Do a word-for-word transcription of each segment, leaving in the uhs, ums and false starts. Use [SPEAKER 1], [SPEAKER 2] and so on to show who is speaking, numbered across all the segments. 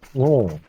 [SPEAKER 1] 오.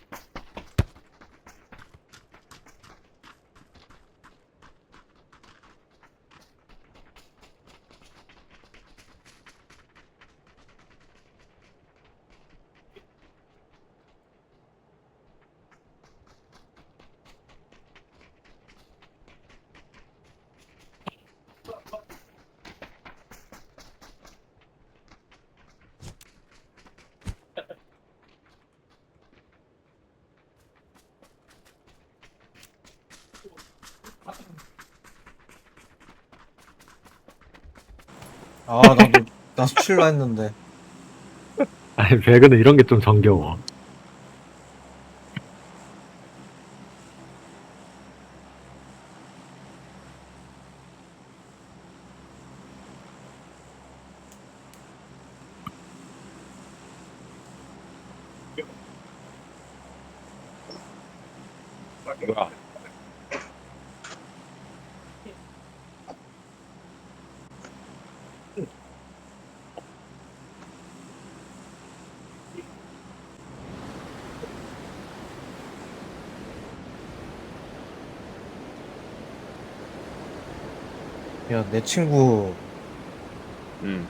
[SPEAKER 2] 아, 나도, 나도 출라 했는데.
[SPEAKER 1] 아니, 배그는 이런 게 좀 정겨워. 뭐야?
[SPEAKER 2] 야, 내 친구,
[SPEAKER 3] 응.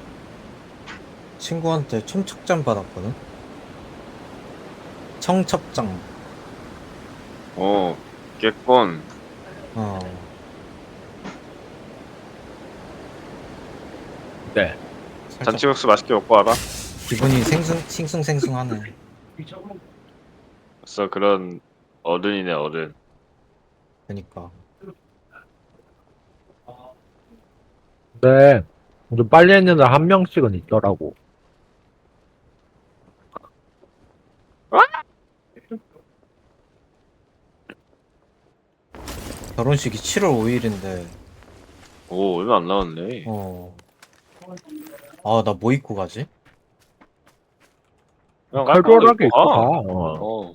[SPEAKER 2] 친구한테 청첩장 받았거든? 청첩장.
[SPEAKER 3] 어, 깼건.
[SPEAKER 2] 어.
[SPEAKER 1] 네.
[SPEAKER 2] 살짝
[SPEAKER 3] 잔치국수 맛있게 먹고 와라.
[SPEAKER 2] 기분이 생숭, 싱숭생숭하네.
[SPEAKER 3] 벌써 그런 어른이네, 어른.
[SPEAKER 2] 그니까.
[SPEAKER 1] 근데, 좀 빨리 했는데 한 명씩은 있더라고.
[SPEAKER 2] 결혼식이 칠월 오일인데,
[SPEAKER 3] 오, 얼마 안 남았네.
[SPEAKER 2] 어. 아, 나 뭐 입고 가지?
[SPEAKER 3] 그냥 깔끔한 거
[SPEAKER 1] 칼돌하게
[SPEAKER 3] 입고
[SPEAKER 1] 입고 가.
[SPEAKER 3] 가.
[SPEAKER 1] 어.
[SPEAKER 3] 어.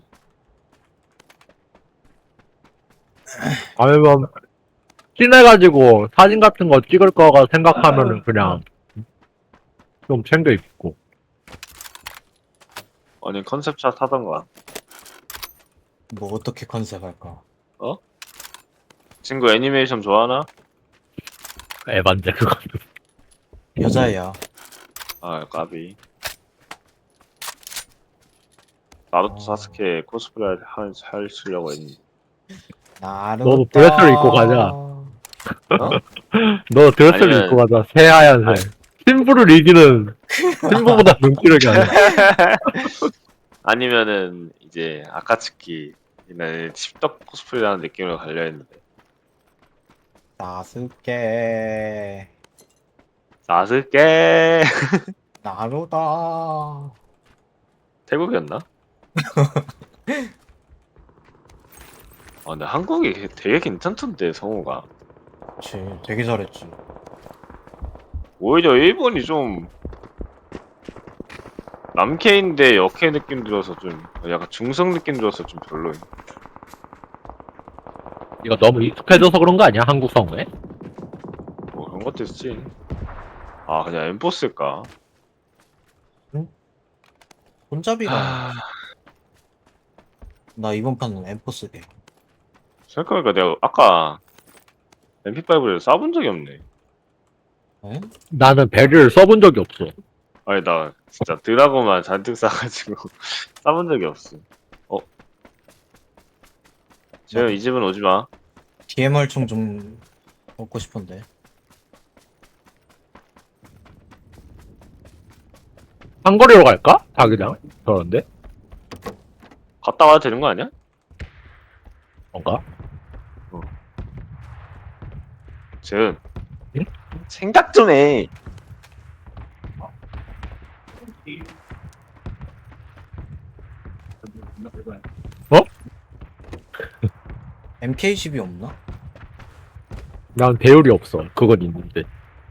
[SPEAKER 1] 아니면, 친해가지고 사진 같은 거 찍을 거가 생각하면은 그냥 좀 챙겨 입고.
[SPEAKER 3] 아니, 컨셉샷 하던가.
[SPEAKER 2] 뭐 어떻게 컨셉 할까?
[SPEAKER 3] 어? 친구 애니메이션 좋아하나?
[SPEAKER 1] 에반데, 그거.
[SPEAKER 2] 여자애야.
[SPEAKER 3] 아, 까비. 나루토
[SPEAKER 2] 어.
[SPEAKER 3] 사스케 코스프레 할, 하시려고 했니?
[SPEAKER 1] 너도
[SPEAKER 2] 나루토.
[SPEAKER 1] 드레스를 입고 가자.
[SPEAKER 2] 어?
[SPEAKER 1] 너 드레스를 입고
[SPEAKER 3] 아니면,
[SPEAKER 1] 가자.
[SPEAKER 3] 아니,
[SPEAKER 1] 새하얀색. 신부를 이기는, 신부보다 눈기력이 아니야.
[SPEAKER 3] 아니면은, 이제, 아카츠키, 이날 칩덕 코스프레라는 느낌으로 가려 했는데.
[SPEAKER 2] 나스케.
[SPEAKER 3] 사스케!
[SPEAKER 2] 나루다.
[SPEAKER 3] 태국이었나? 아, 근데 한국이 되게 괜찮던데, 성우가.
[SPEAKER 2] 그치, 되게 잘했지.
[SPEAKER 3] 오히려 일본이 좀, 남캐인데 여캐 느낌 들어서 좀, 약간 중성 느낌 들어서 좀 별로임.
[SPEAKER 1] 이거 너무 익숙해져서 그런 거 아니야? 한국 성우에?
[SPEAKER 3] 뭐 그런 것도 있지. 아, 그냥 엠포스일까?
[SPEAKER 2] 손잡이가,
[SPEAKER 3] 하...
[SPEAKER 2] 나 이번 판은 엠포스게.
[SPEAKER 3] 생각해보니까 내가 아까 엠피파이브를 쏴본 적이 없네.
[SPEAKER 2] 에?
[SPEAKER 1] 나는 배를 써본 적이 없어.
[SPEAKER 3] 아니, 나 진짜 드라고만 잔뜩 쏴가지고 쏴본 적이 없어. 어? 재현
[SPEAKER 2] 나도
[SPEAKER 3] 이 집은 오지 마.
[SPEAKER 2] 디엠알 총 좀 얻고 싶은데.
[SPEAKER 1] 한거리로 갈까? 자기장? 그런데?
[SPEAKER 3] 갔다 와도 되는 거 아니야?
[SPEAKER 1] 뭔가?
[SPEAKER 3] 재현.
[SPEAKER 1] 응?
[SPEAKER 3] 생각 좀 해.
[SPEAKER 1] 어?
[SPEAKER 2] 엠케이 십이 없나?
[SPEAKER 1] 난 배율이 없어. 그건 있는데.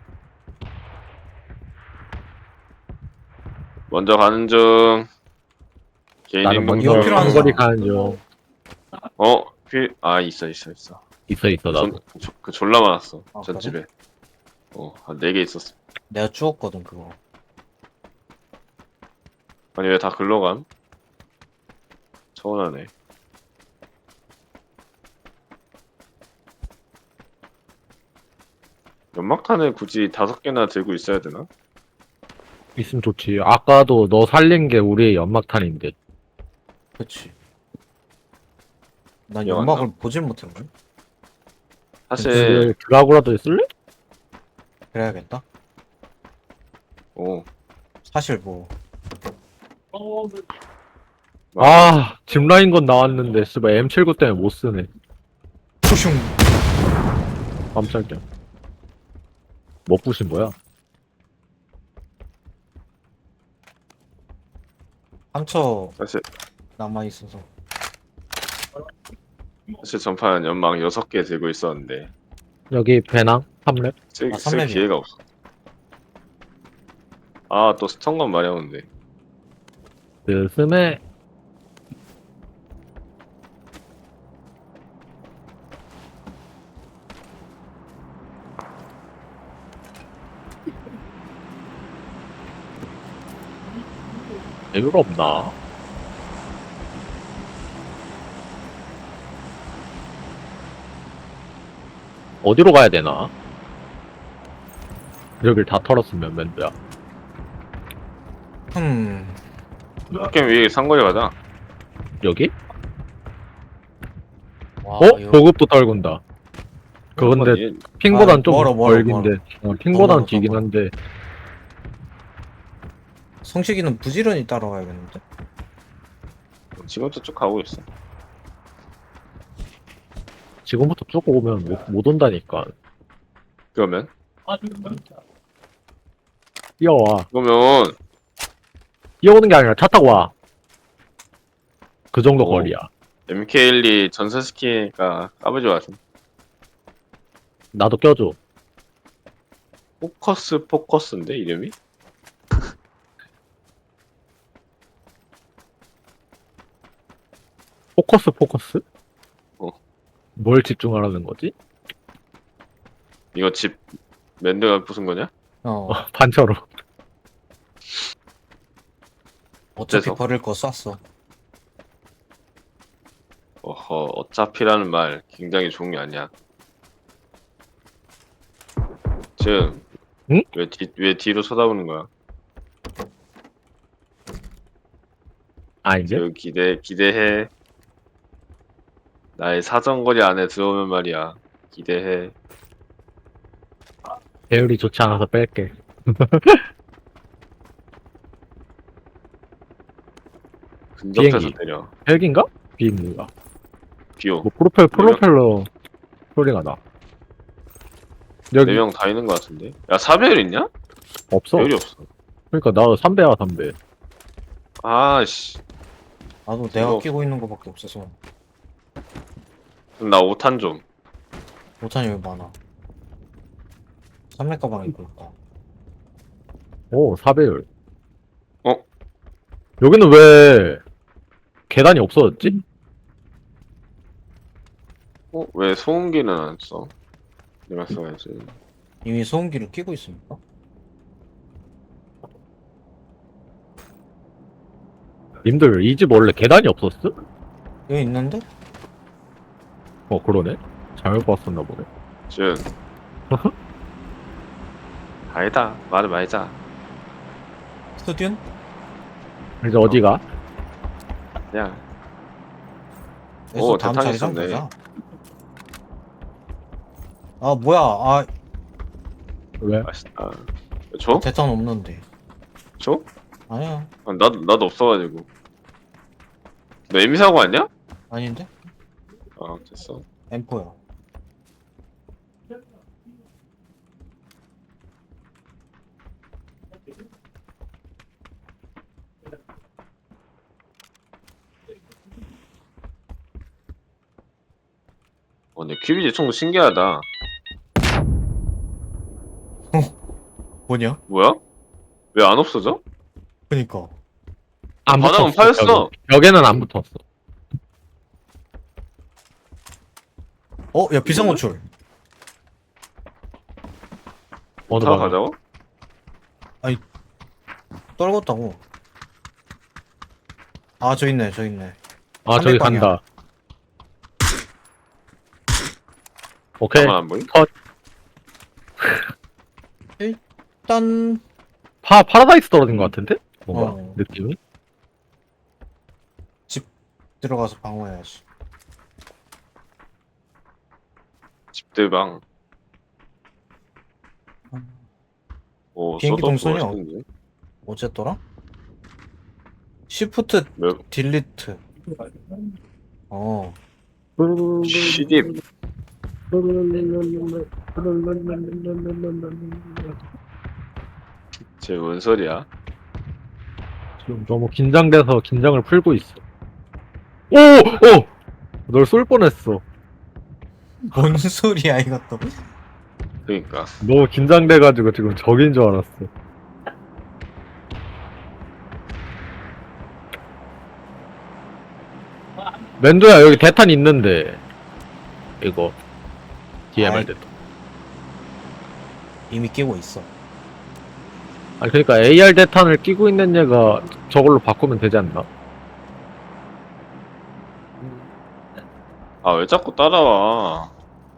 [SPEAKER 3] 먼저 가는 중. 개인
[SPEAKER 1] 나는
[SPEAKER 3] 행동
[SPEAKER 1] 먼저
[SPEAKER 2] 이거 필요한
[SPEAKER 3] 중.
[SPEAKER 1] 한거리
[SPEAKER 2] 사람.
[SPEAKER 1] 가는 중.
[SPEAKER 3] 어? 필... 아, 있어, 있어, 있어.
[SPEAKER 1] 있어, 있어,
[SPEAKER 3] 그, 존,
[SPEAKER 1] 나도.
[SPEAKER 3] 조- 그 졸라 많았어.
[SPEAKER 2] 아,
[SPEAKER 3] 전
[SPEAKER 2] 그래?
[SPEAKER 3] 집에. 어, 한 네 개 있었어.
[SPEAKER 2] 내가 주웠거든, 그거.
[SPEAKER 3] 아니, 왜 다 글로 감? 서운하네. 연막탄을 굳이 다섯 개나 들고 있어야 되나?
[SPEAKER 1] 있으면 좋지. 아까도 너 살린 게 우리의 연막탄인데.
[SPEAKER 2] 그치. 난
[SPEAKER 3] 기억 안
[SPEAKER 2] 연막을 보질 못했네.
[SPEAKER 3] 사실,
[SPEAKER 1] 드라구라도 쓸래?
[SPEAKER 2] 그래야겠다.
[SPEAKER 3] 오,
[SPEAKER 2] 사실 뭐
[SPEAKER 1] 아, 짚라인 건 나왔는데, 씨발, 엠 칠십구 때문에 못 쓰네.
[SPEAKER 2] 푸슝.
[SPEAKER 1] 깜짝이야. 뭐 부신 거야?
[SPEAKER 2] 상처
[SPEAKER 3] 사실,
[SPEAKER 2] 남아 있어서.
[SPEAKER 3] 사실 전판 연막 여섯 개 들고 있었는데,
[SPEAKER 1] 여기 배낭? 삼 렙?
[SPEAKER 3] 쓸,
[SPEAKER 2] 아,
[SPEAKER 3] 쓸
[SPEAKER 2] 삼 렙이야.
[SPEAKER 3] 기회가 없어. 아, 또 스턴건 마려운데.
[SPEAKER 1] 그, 스메, 배율 없나? 어디로 가야 되나? 여길 다 털었으면 맨드야.
[SPEAKER 2] 흠.
[SPEAKER 3] 게임 위에 상거리 가자.
[SPEAKER 1] 여기?
[SPEAKER 2] 와,
[SPEAKER 1] 어?
[SPEAKER 2] 이거
[SPEAKER 1] 보급도 떨군다. 그건데,
[SPEAKER 3] 얘-
[SPEAKER 1] 핑보단
[SPEAKER 2] 아,
[SPEAKER 1] 좀
[SPEAKER 2] 멀어, 멀어,
[SPEAKER 1] 멀긴데. 어, 핑보단
[SPEAKER 2] 멀어,
[SPEAKER 1] 뒤긴
[SPEAKER 2] 멀어.
[SPEAKER 1] 한데.
[SPEAKER 2] 성식이는 부지런히 따라가야겠는데.
[SPEAKER 3] 지금부터 쭉 가고 있어.
[SPEAKER 1] 지금부터 쭉 오면 못, 못 온다니까.
[SPEAKER 3] 그러면?
[SPEAKER 1] 뛰어와.
[SPEAKER 3] 그러면,
[SPEAKER 1] 뛰어오는 게 아니라 차 타고 와. 그 정도
[SPEAKER 3] 오.
[SPEAKER 1] 거리야.
[SPEAKER 3] 엠케이일이 전설 스키가 까불지 마세요.
[SPEAKER 1] 나도 껴줘.
[SPEAKER 3] 포커스 포커스인데 이름이?
[SPEAKER 1] 포커스, 포커스?
[SPEAKER 3] 어.
[SPEAKER 1] 뭘 집중하라는 거지?
[SPEAKER 3] 이거 집 맨드가 부순 거냐?
[SPEAKER 2] 어.
[SPEAKER 1] 어, 반차로.
[SPEAKER 2] 어차피
[SPEAKER 3] 어째서?
[SPEAKER 2] 버릴 거 쐈어.
[SPEAKER 3] 어허, 어차피라는 말 굉장히 좋은 게 아니야. 지금
[SPEAKER 1] 응?
[SPEAKER 3] 왜, 뒤, 왜 뒤로 쳐다보는 거야?
[SPEAKER 1] 아, 이제?
[SPEAKER 3] 지금 기대 기대해. 나의 사정거리 안에 들어오면 말이야. 기대해.
[SPEAKER 1] 배율이 좋지 않아서 뺄게.
[SPEAKER 3] 근접해서
[SPEAKER 1] 비행기.
[SPEAKER 3] 때려.
[SPEAKER 1] 헬기인가? 비행기인가?
[SPEAKER 3] 비오.
[SPEAKER 1] 뭐, 프로펠, 프로펠러 소리가 나. 여기
[SPEAKER 3] 네 명 다 있는 거 같은데. 야 사배율 있냐?
[SPEAKER 1] 없어.
[SPEAKER 3] 배율이 없어.
[SPEAKER 1] 그러니까 나 삼 배야, 삼 배.
[SPEAKER 3] 아씨.
[SPEAKER 2] 나도 내가
[SPEAKER 3] 이거-
[SPEAKER 2] 끼고 있는 거밖에 없어서.
[SPEAKER 3] 그럼 나 오 탄 좀.
[SPEAKER 2] 오탄이 왜 많아? 삼렙 가방 입고 있다.
[SPEAKER 1] 오, 사 배율.
[SPEAKER 3] 어?
[SPEAKER 1] 여기는 왜 계단이 없어졌지?
[SPEAKER 3] 어? 왜 소음기는 안 써? 내가 써야지.
[SPEAKER 2] 이미 소음기를 끼고 있습니까?
[SPEAKER 1] 님들 이 집 원래 계단이 없었어?
[SPEAKER 2] 여기 있는데?
[SPEAKER 1] 어, 그러네. 잘못 봤었나 보네.
[SPEAKER 3] 준. 아니다. 말을 말자.
[SPEAKER 2] 스튜디언?
[SPEAKER 1] 이제 어디가?
[SPEAKER 3] 야.
[SPEAKER 2] 그래서
[SPEAKER 3] 오,
[SPEAKER 2] 다음
[SPEAKER 3] 대탄
[SPEAKER 2] 자리장
[SPEAKER 3] 있었네.
[SPEAKER 2] 보자. 아 뭐야? 아
[SPEAKER 1] 왜?
[SPEAKER 3] 맛있다. 줘?
[SPEAKER 2] 대탄 없는데.
[SPEAKER 3] 줘?
[SPEAKER 2] 아니야.
[SPEAKER 3] 아, 나도, 나도 없어가지고. 너 에미 사고 왔냐?
[SPEAKER 2] 아닌데?
[SPEAKER 3] 아, 됐어.
[SPEAKER 2] 엠포야.
[SPEAKER 3] 어, 근데 큐비지 총도 신기하다.
[SPEAKER 2] 뭐냐?
[SPEAKER 3] 뭐야? 왜 안 없어져?
[SPEAKER 2] 그니까.
[SPEAKER 1] 안
[SPEAKER 3] 바닥은
[SPEAKER 1] 붙었어.
[SPEAKER 3] 파였어.
[SPEAKER 1] 벽에. 벽에는 안 붙었어.
[SPEAKER 2] 어? 야 비상호출.
[SPEAKER 1] 어느
[SPEAKER 3] 타고
[SPEAKER 1] 방향?
[SPEAKER 3] 가자고?
[SPEAKER 2] 떨궜다고. 아 저 있네 저 있네.
[SPEAKER 1] 아, 저기
[SPEAKER 2] 삼백 방향.
[SPEAKER 1] 간다. 오케이.
[SPEAKER 3] 나만 안 보임?
[SPEAKER 2] 일단
[SPEAKER 1] 파, 파라다이스 떨어진 것 같은데? 뭔가?
[SPEAKER 2] 어.
[SPEAKER 1] 느낌이?
[SPEAKER 2] 들어가서 방어해야지.
[SPEAKER 3] 집대방. 오,
[SPEAKER 2] 비행기
[SPEAKER 3] 써도
[SPEAKER 2] 동선이
[SPEAKER 3] 멋있는데?
[SPEAKER 2] 어쨌더라? 시프트
[SPEAKER 3] 왜?
[SPEAKER 2] 딜리트. 어.
[SPEAKER 3] 시딥. 쟤뭔 소리야?
[SPEAKER 1] 지금 너무 긴장돼서 긴장을 풀고 있어. 오! 오! 널 쏠 뻔했어.
[SPEAKER 2] 뭔 소리야 이것도.
[SPEAKER 3] 그니까.
[SPEAKER 1] 너무 긴장돼가지고 지금 적인 줄 알았어. 맨도야, 여기 대탄 있는데. 이거. 디엠알
[SPEAKER 2] 아이.
[SPEAKER 1] 대탄.
[SPEAKER 2] 이미 끼고 있어.
[SPEAKER 1] 아니, 그니까 에이알 대탄을 끼고 있는 얘가 저걸로 바꾸면 되지 않나?
[SPEAKER 3] 아, 왜 자꾸 따라와?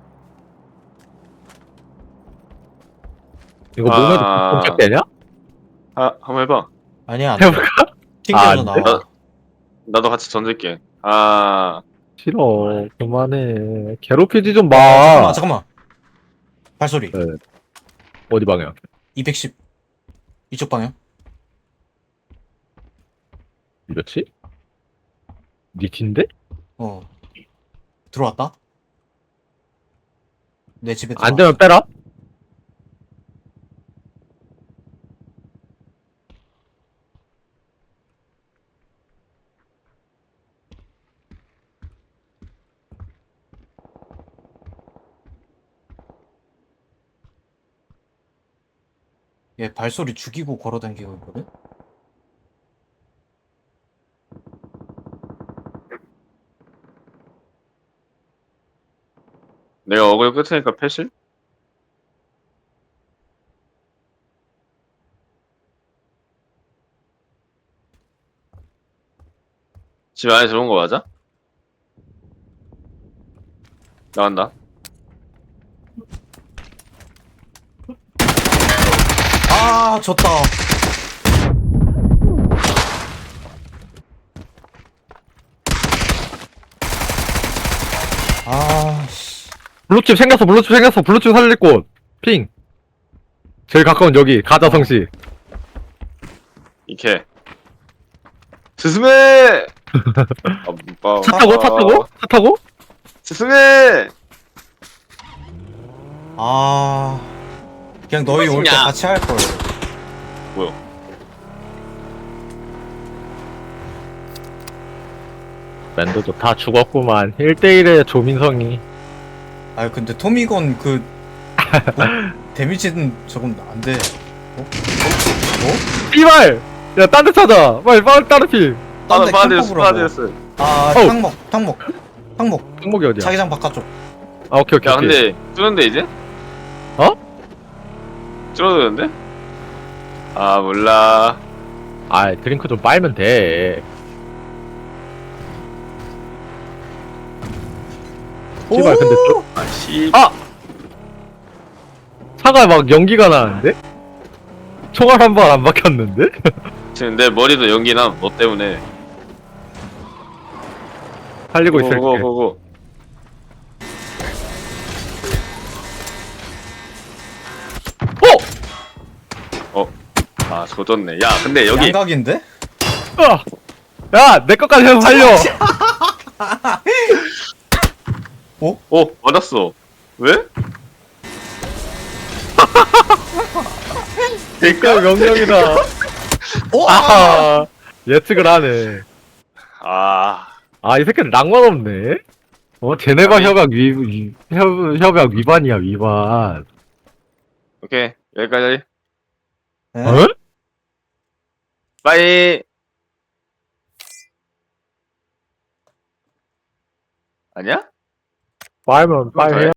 [SPEAKER 1] 이거
[SPEAKER 3] 아.
[SPEAKER 1] 몸에도 검색되냐?
[SPEAKER 3] 아, 한번 해봐.
[SPEAKER 2] 아니야 안 돼.
[SPEAKER 1] 해볼까?
[SPEAKER 2] 튕겨서
[SPEAKER 1] 아, 안 돼?
[SPEAKER 2] 나와.
[SPEAKER 3] 나도 같이 던질게. 아,
[SPEAKER 1] 싫어. 그만해. 괴롭히지 좀 마.
[SPEAKER 2] 아, 잠깐만 잠깐만. 발소리.
[SPEAKER 1] 네. 어디 방향?
[SPEAKER 2] 이백십. 이쪽 방향.
[SPEAKER 1] 이거지? 니 뒤인데?
[SPEAKER 2] 어. 들어왔다. 내 집에
[SPEAKER 1] 안
[SPEAKER 2] 들어왔어.
[SPEAKER 1] 되면 빼라.
[SPEAKER 2] 얘 발소리 죽이고 걸어다니고 있거든.
[SPEAKER 3] 내가 어글 끝으니까 패실? 집 안에 들어온 거 맞아? 나간다.
[SPEAKER 2] 아 졌다. 아 씨.
[SPEAKER 1] 블루칩 생겼어, 블루칩 생겼어, 블루칩 살릴 곳. 핑. 제일 가까운 여기, 가자성시.
[SPEAKER 3] 이케. 스스메! 아, 못
[SPEAKER 1] 차
[SPEAKER 3] 봐.
[SPEAKER 1] 타고, 차 타고? 차 타고?
[SPEAKER 3] 스스메!
[SPEAKER 2] 아 그냥 너희 올 때
[SPEAKER 3] 무엇이냐?
[SPEAKER 2] 같이 할 걸.
[SPEAKER 3] 뭐야?
[SPEAKER 1] 랜드도 다 죽었구만. 일 대일의 조민성이.
[SPEAKER 2] 아 근데 토미건 그 뭐? 데미지는 저건 안 돼. 어? 어?
[SPEAKER 1] 이발! 야, 딴 데 찾아! 빨리, 빨리, 다른 팀!
[SPEAKER 2] 딴데
[SPEAKER 3] 빠졌어,
[SPEAKER 2] 캠퍼브라고.
[SPEAKER 3] 빠졌어.
[SPEAKER 2] 아
[SPEAKER 1] 어우.
[SPEAKER 2] 탕목 탕목 탕목
[SPEAKER 1] 항목이 어디야?
[SPEAKER 2] 자기장 바깥쪽.
[SPEAKER 1] 아, 오케이, 오케이,
[SPEAKER 3] 야,
[SPEAKER 1] 오케이.
[SPEAKER 3] 근데, 뚫는데, 이제?
[SPEAKER 1] 어?
[SPEAKER 3] 줄어드는데? 아, 몰라.
[SPEAKER 1] 아, 드링크 좀 빨면 돼. 씨발, 근데 저,
[SPEAKER 3] 아, 씨.
[SPEAKER 1] 아! 차가 막 연기가 나는데? 총알 한 발 안 박혔는데?
[SPEAKER 3] 지금 내 머리도 연기나, 너 때문에.
[SPEAKER 1] 살리고 있을게.
[SPEAKER 3] 고고, 고고. 어? 아, 조졌네. 야, 근데 여기.
[SPEAKER 2] 양각인데?
[SPEAKER 1] 아! 야! 내 것까지 해서 살려!
[SPEAKER 3] 어, 맞았어. 왜?
[SPEAKER 1] 그니까 명령이다.
[SPEAKER 2] 오!
[SPEAKER 1] 아하! 예측을 하네.
[SPEAKER 3] 아,
[SPEAKER 1] 아, 이 새끼는 낭만 없네? 어, 제네바 협약 위, 위 협, 협약 위반이야, 위반.
[SPEAKER 3] 오케이. 여기까지.
[SPEAKER 2] 에?
[SPEAKER 1] 어?
[SPEAKER 3] 빠이. 아니야?
[SPEAKER 1] 빨면 빨
[SPEAKER 3] 더
[SPEAKER 1] 해야